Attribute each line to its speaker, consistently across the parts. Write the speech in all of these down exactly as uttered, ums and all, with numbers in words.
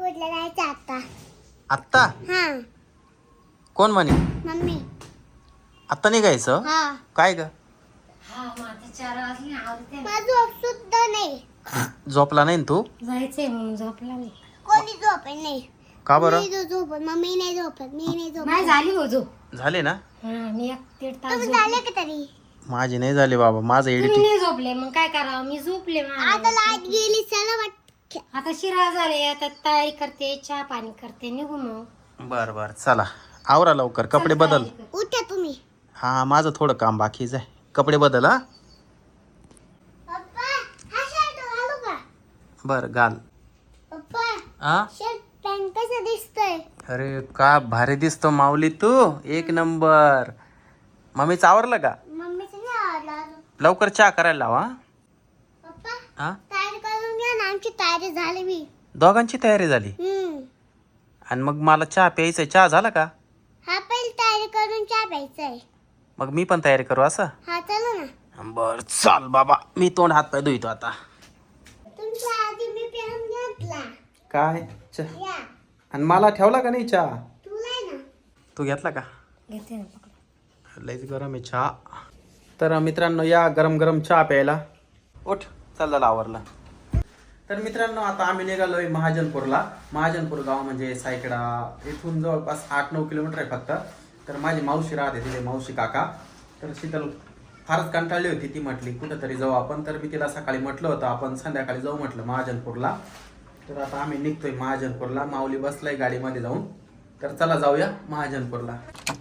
Speaker 1: महाजनपूरला जायचं आता.
Speaker 2: आत्ता
Speaker 1: हा
Speaker 2: कोण म्हणे
Speaker 1: मम्मी.
Speaker 2: आत्ता निघायचं
Speaker 1: हा
Speaker 2: काय ग
Speaker 3: हा मग आता चार वाजले आवडते
Speaker 1: माझं झोप सुद्धा नाही.
Speaker 2: झोपला नाही ना तू
Speaker 3: जायचंय म्हणून झोपला नाही.
Speaker 1: कोणी झोपत नाही.
Speaker 2: का बरं
Speaker 1: मी जो झोपत मम्मी नाही झोपत मी नाही झोपत.
Speaker 3: नाही झाली हो झोप.
Speaker 2: झाले ना
Speaker 3: हा मी एक दीड तास
Speaker 1: तुम्ही
Speaker 3: झोपले.
Speaker 1: झाले का तरी.
Speaker 2: माझे नाही झाले बाबा माझं
Speaker 3: तुम्ही
Speaker 2: एडिटिंग
Speaker 3: नाही झोपले मग काय करावं मी झोपले मग.
Speaker 1: आता लाईट गेली चला वाट.
Speaker 3: आता शिरा झाले आता तयारी करते चहा पाणी करते निघू मग.
Speaker 2: बर बर चला आवरा लवकर कपडे बदल.
Speaker 1: उठा तुम्ही.
Speaker 2: हा माझं थोडं काम बाकीच आहे कपडे बदल हा
Speaker 1: पप्पा हा शर्ट घालू का.
Speaker 2: बर घाल
Speaker 1: पप्पा
Speaker 2: हा
Speaker 1: शर्ट पॅन्ट कसं दिसतंय.
Speaker 2: अरे का भारी दिसतो माऊली तू एक नंबर मम्मीच आवरलं का
Speaker 1: मम्मीचं नाही आवडलं अजून.
Speaker 2: लवकर चहा करायला लावा
Speaker 1: पप्पा
Speaker 2: हा
Speaker 1: तयारी करून घ्या ना आमची तयारी झाली मी.
Speaker 2: दोघांची तयारी झाली
Speaker 1: हम्म
Speaker 2: आणि मग मला चहा प्यायचा चहा झाला का
Speaker 1: हा पहिली तयारी करून चहा प्यायचाय.
Speaker 2: मग मी पण तयारी करू असं
Speaker 1: हा चला ना.
Speaker 2: बर चाल बाबा मी तोंड हात पाय धुतो आता
Speaker 1: तुमच्या आधी मी पेन घेतला.
Speaker 2: काय चहा
Speaker 1: या
Speaker 2: आणि मला ठेवला का नाही चहा
Speaker 1: तुला आहे ना.
Speaker 2: तू घेतला का
Speaker 3: घेते ना पकडून.
Speaker 2: लईच गरम आहे चहा तर मित्रांनो या गरम गरम चहा प्यायला उठ चल झाला आवरला तर मित्रांनो आता आम्ही निघालोय महाजनपूरला महाजनपूर गाव म्हणजे सायकडा इथून जवळपास आठ नऊ किलोमीटर आहे फक्त तर माझी मावशी राहते तिथे मावशी काका तर शीतल फारच कंटाळली होती ती म्हटली कुठंतरी जाऊ आपण तर मी तिला सकाळी म्हटलं होतं आपण संध्याकाळी जाऊ म्हटलं महाजनपूरला तर आता आम्ही निघतोय महाजनपूरला माऊली बसलाय गाडीमध्ये जाऊन तर चला जाऊया महाजनपूरला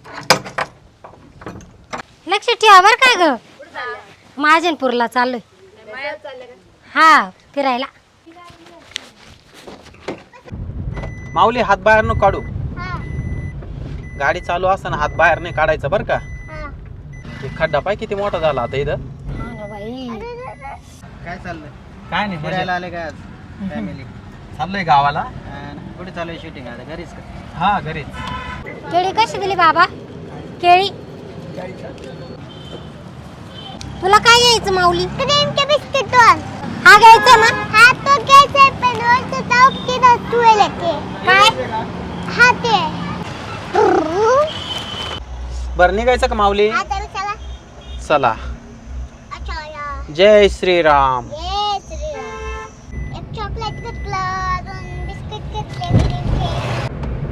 Speaker 3: लक्ष ठेवा बर काय ग महाजनपूरला चाललोय हा फिरायला.
Speaker 2: माऊली हात बाहेर न काढू
Speaker 1: हा
Speaker 2: गाडी चालू असताना हात बाहेर नाही काढायचा बरं का
Speaker 1: हा.
Speaker 2: हे खड्डा पाय किती मोठा झाला आता इथं
Speaker 3: हा ना बाई.
Speaker 4: काय चाललंय
Speaker 2: काय नाही
Speaker 4: फिरायला आले काय आज फॅमिली
Speaker 2: चाललोय गावाला
Speaker 4: कुठे चालू आहे शूटिंग आता घरीच का
Speaker 2: हा घरीच
Speaker 3: केळी कशी दिली बाबा केळी तुला काय घ्यायचं माऊली.
Speaker 1: क्रीमचे बिस्किट दोन.
Speaker 3: हा घ्यायचा ना.
Speaker 1: हा तो घ्यायचा पण वरचं ताव किती तुला ते
Speaker 3: काय
Speaker 1: हा ते.
Speaker 2: बरं निघायचं का माऊली
Speaker 1: हा तर चला.
Speaker 2: चला
Speaker 1: अच्छा या.
Speaker 2: जय श्रीराम
Speaker 1: ये श्रीराम. एक चॉकलेट घेतलं दोन बिस्किट घेतले क्रीमचे.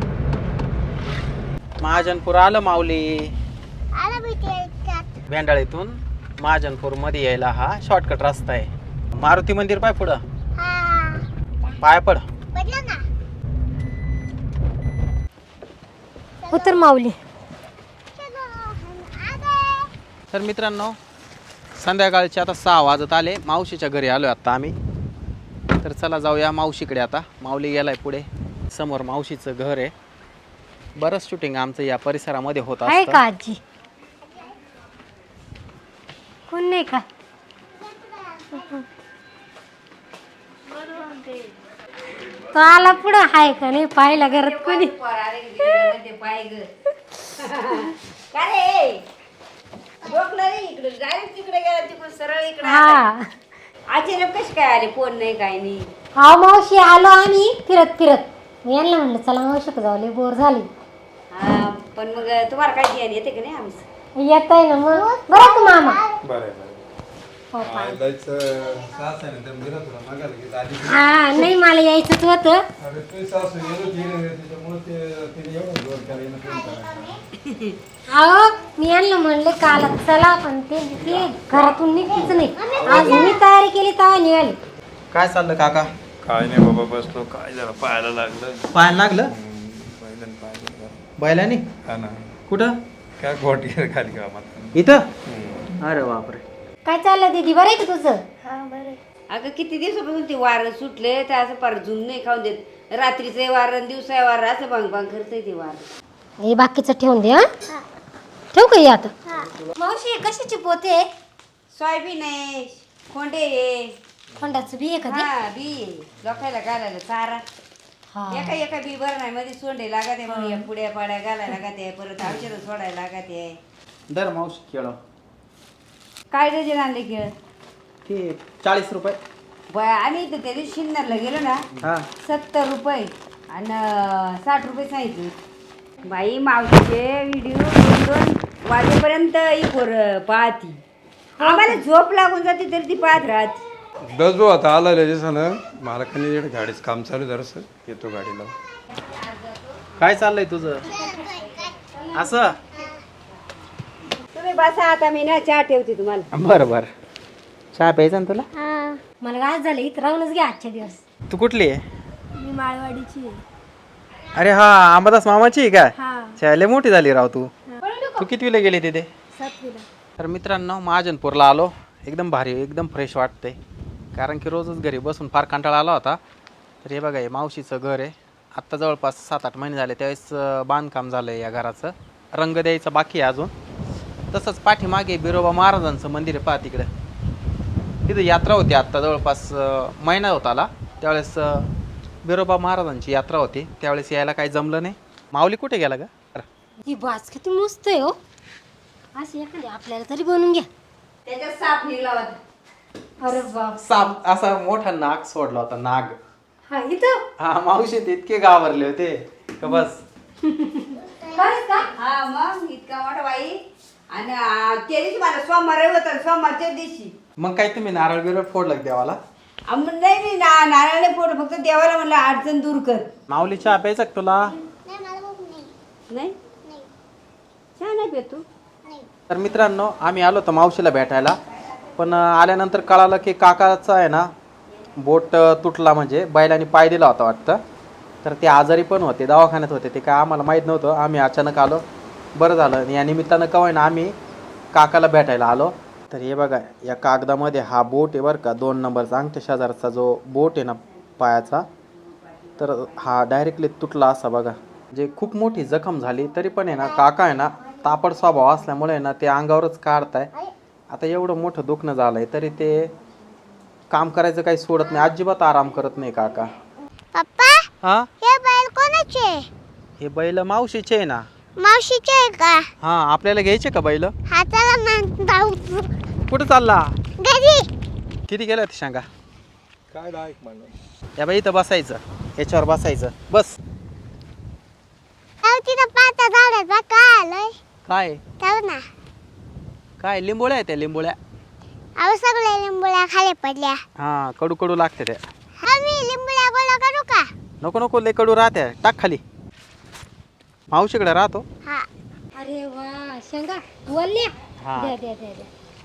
Speaker 2: महाजनपूर आलं माऊली
Speaker 1: आला भेटे त्यात.
Speaker 2: भेंडाळीतून महाजनपूर मध्ये यायला हा शॉर्टकट रस्ता आहे मारुती मंदिर पाय पुढं
Speaker 1: हा
Speaker 2: पाय पड
Speaker 1: पडलं ना.
Speaker 3: उतर माऊली.
Speaker 1: चलो आगे.
Speaker 2: तर मित्रांनो संध्याकाळचे आता सहा वाजत आले मावशीच्या घरी आलोय आता आम्ही तर चला जाऊया मावशीकडे आता माऊली गेलाय पुढे समोर मावशीचं घर आहे बरंच शूटिंग आमचं या परिसरामध्ये होत
Speaker 3: आहे
Speaker 2: असतं
Speaker 3: का आजी कोण नाही का. तो आला पुढं हाय का नाही पाहिला घरात कोणी. हा
Speaker 5: अचानक कशी काय आले फोन नाही काय नाही.
Speaker 3: हा मावशी आलो आम्ही फिरत फिरत मी यांना म्हणलं चला मावशी जाऊ लय बोर झाली.
Speaker 5: हा पण मग तुम्हाला काय ध्यान येते का नाही आमचं.
Speaker 3: येत आहे ना मग बरं तू मामा. हो, पाय. हा नाही मला यायचंच होतं. अहो मी यांना म्हणले काल चला पण ते ते घरातून निघतीच नाही. आज मी तयारी केली तेव्हा निघाली.
Speaker 2: काय चाललं काका
Speaker 6: काय नाही बाबा बसलो काय जरा पाहायला लागलं
Speaker 2: पाहायला लागलं
Speaker 6: बैलन पाहायला
Speaker 2: बैलानी
Speaker 6: हा ना
Speaker 2: कुठं
Speaker 6: काय गोटी खाली कामात
Speaker 2: इथं अरे बापरे
Speaker 3: काय चाललं दीदी बरं आहे का तुझं.
Speaker 5: अगं किती दिवसापासून ते वारं सुटले तर असं पर झुम नाही खाऊन देत रात्रीचं वारं दिवसा वारं असं भांग भांग करतंय ते वारं.
Speaker 3: हे बाकीचं ठेवून दे. हा ठेवू का हे आता. मावशी कशाची पोते.
Speaker 5: सोयाबीन आहे खोंडे आहे
Speaker 3: खोंडाचं बी आहे का ते?
Speaker 5: हा बी आहे. लोकायला घालायला चारा
Speaker 3: हा.
Speaker 5: एका एका बी बरं नाही मध्ये सोंडे लागत आहे मग या पुड्या पाड्या घालायला लागत आहे परत औषधं सोडायला लागत आहे.
Speaker 2: दर मावशी खेळ
Speaker 5: काय डझन आणले खेळ
Speaker 2: ते चाळीस रुपये
Speaker 5: बया आम्ही इथं त्या दिवशी शिन्नरला गेलो ना
Speaker 2: हा
Speaker 5: सत्तर रुपये आणि साठ रुपये सांगितले. बाई मावशीचे व्हिडिओ दोन दोन वाजेपर्यंत इकोर पाहती. आम्हाला झोप लागून जाते तरी ती पाहत राहते.
Speaker 6: बस भाऊ आता आला दिवसानं मला खाली गाडीचं काम चालू जरासं येतो गाडीला.
Speaker 2: काय चाललंय तुझं असं?
Speaker 5: तुम्ही बसा आता मी ना चहा ठेवते तुम्हाला.
Speaker 2: बरं बरं. चहा प्यायचा ना तुला?
Speaker 1: हा
Speaker 3: मला काय झालं इथं राहूनच घ्या आजच्या दिवस.
Speaker 2: तू कुठली आहे?
Speaker 1: मी माळवाडीची आहे.
Speaker 2: अरे हा अंबादास मामाची आहे काय?
Speaker 1: हा
Speaker 2: शाळेला मोठी झाली राव तू. तू कितवीला गेली तिथे?
Speaker 1: सातवीला.
Speaker 2: तर मित्रांनो महाजनपूरला आलो. एकदम भारी एकदम फ्रेश वाटतंय कारण की रोजच घरी बसून फार कंटाळा आला होता. तर हे बघा हे मावशीचं घर आहे. आत्ता जवळपास सात आठ महिने झाले त्यावेळेस अं, बांधकाम झालं आहे या घराचं. रंग द्यायचं बाकी आहे अजून. तसंच पाठीमागे बिरोबा महाराजांचं मंदिर आहे पहा तिकडं. तिथं यात्रा होती आत्ता जवळपास अं, महिना होता आला त्यावेळेस अं, बिरोबा महाराजांची यात्रा होती. त्यावेळेस यायला काही जमलं नाही. माऊली कुठे गेला का?
Speaker 3: ही बाज किती मस्त आहे हो. अशी एखादी आपल्याला तरी बनवून घ्या.
Speaker 5: त्याच्यात साप निघला होता.
Speaker 3: अरे बाप.
Speaker 2: साप असा मोठा नाग सोडला होता नाग.
Speaker 3: हा इथं
Speaker 2: हा मावशी ते इतके घाबरले होते का बस.
Speaker 3: खरंच का?
Speaker 5: हा मग इतका मोठा बाई. आणि आ, त्या दिवशी मला सोमवार होता सोमवारच्या दिवशी.
Speaker 2: मग काय तुम्ही नारळ बिरळ फोडलं देवाला?
Speaker 5: आम- नाही मी ना नारळाने फोड फक्त देवाला म्हणलं अडचण दूर कर.
Speaker 2: माऊली चहा प्यायचा का तुला?
Speaker 1: नाही मला भूक नाही.
Speaker 5: नाही
Speaker 1: नाही
Speaker 5: चहा नाही पित तू?
Speaker 1: नाही.
Speaker 2: तर मित्रांनो आम्ही आलो होतो मावशीला भेटायला पण अं, आल्यानंतर कळालं की काकाचा आहे ना बोट अं, तुटला म्हणजे बैलाने पाय दिला होता वाटतं. तर ते आजारी पण होते दवाखान्यात होते ते काय आम्हाला माहीत नव्हतं. आम्ही अचानक आलो. बरं झालं या निमित्तानं कवाय ना आम्ही काकाला भेटायला आलो. तर हे बघा या कागदामध्ये हा बोट आहे बरं का दोन नंबरचा अंगठ्या शेजारचा जो बोट आहे ना पायाचा तर हा डायरेक्टली तुटला असा बघा. म्हणजे खूप मोठी जखम झाली तरी पण आहे ना काका आहे ना तापड स्वभाव असल्यामुळे आहे ना ते अंगावरच काढताय. आता एवढं मोठं दुखणं झालंय तरी ते काम करायचं काही सोडत नाही. अजिबात आराम करत नाही काका.
Speaker 1: पप्पा
Speaker 2: हा
Speaker 1: हे बैल कोणाचे?
Speaker 2: हे बैल मावशीचे आहे ना.
Speaker 1: मावशीचे आहे का?
Speaker 2: हा आपल्याला घ्यायचे का बैल?
Speaker 1: हा चला मग जाऊ
Speaker 2: कुठं चालला?
Speaker 1: घरी.
Speaker 2: किती गेला ते सांगा?
Speaker 6: काय दहा एक म्हणलं
Speaker 2: या बाई इथं बसायचं याच्यावर बसायचं बस.
Speaker 1: जाऊ तिथं पाता झाडात बा काय आलंय?
Speaker 2: काय
Speaker 1: जाऊ ना.
Speaker 2: काय लिंबोळ्या आहेत त्या लिंबोळ्या?
Speaker 1: अहो सगळे लिंबुळ्या खाली पडल्या.
Speaker 2: हा कडू कडू लागते त्या.
Speaker 1: हा मी लिंबुळ्या गोळा करू का?
Speaker 2: नको नको लय कडू राहते टाक खाली. मावशीकडे राहतो.
Speaker 1: हा.
Speaker 3: अरे वा शेंगा वल्ल्या.
Speaker 2: हा.
Speaker 3: द्या द्या द्या द्या.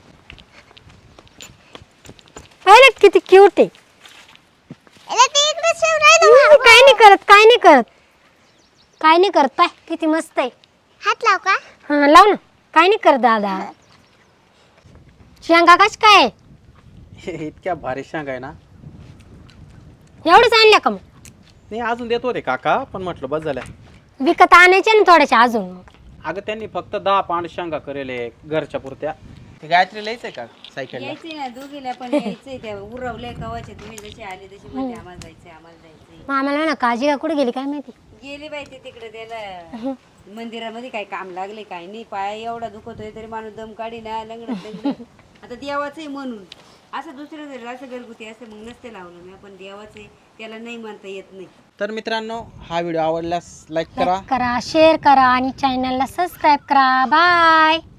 Speaker 3: अरे किती क्यूट आहे.
Speaker 1: अरे ते इकडे शिव राहिलं.
Speaker 3: काय नाही करत काय नाही करत काय नाही करत पाय किती मस्त आहे.
Speaker 1: हात लाव का?
Speaker 3: हा लाव ना. काय नाही करत दादा. शेंगा कश काय
Speaker 2: इतक्या भारी शेंगा आहे ना.
Speaker 3: एवढंच आणल्या का मग?
Speaker 2: नाही अजून देतो रे काका पण म्हटलं बस झाल्या.
Speaker 3: विकत आणायचे ना थोड्याशा अजून.
Speaker 2: अगं त्यांनी फक्त दहा पांड शेंगा करेले घरच्या पुरत्या. ते गायत्री लिहायचंय का सायकलला?
Speaker 5: यायचंय ना दोघीला पण यायचंय त्या उरवलंय कवाचे तुम्ही जसे आले तसे म्हणते आम्हाला जायचंय आम्हाला जायचंय.
Speaker 3: मग आम्हाला ना काळजी का कुठे गेली काय माहिती.
Speaker 5: गेले बाई ते तिकडे त्याला मंदिरामध्ये काय काम लागले काय नाही. पाया एवढा दुखतोय तरी माणूस दम काढी ना लंगडत लंगडत. आता देवाचंय म्हणून असं दुसरं जर असं घरगुती असं मग नसते लावलं मी. पण देवाचंय त्याला नाही म्हणता येत नाही.
Speaker 2: तर मित्रांनो हा व्हिडिओ आवडल्यास लाईक करा
Speaker 3: करा शेअर करा आणि चॅनलला सबस्क्राईब करा. बाय.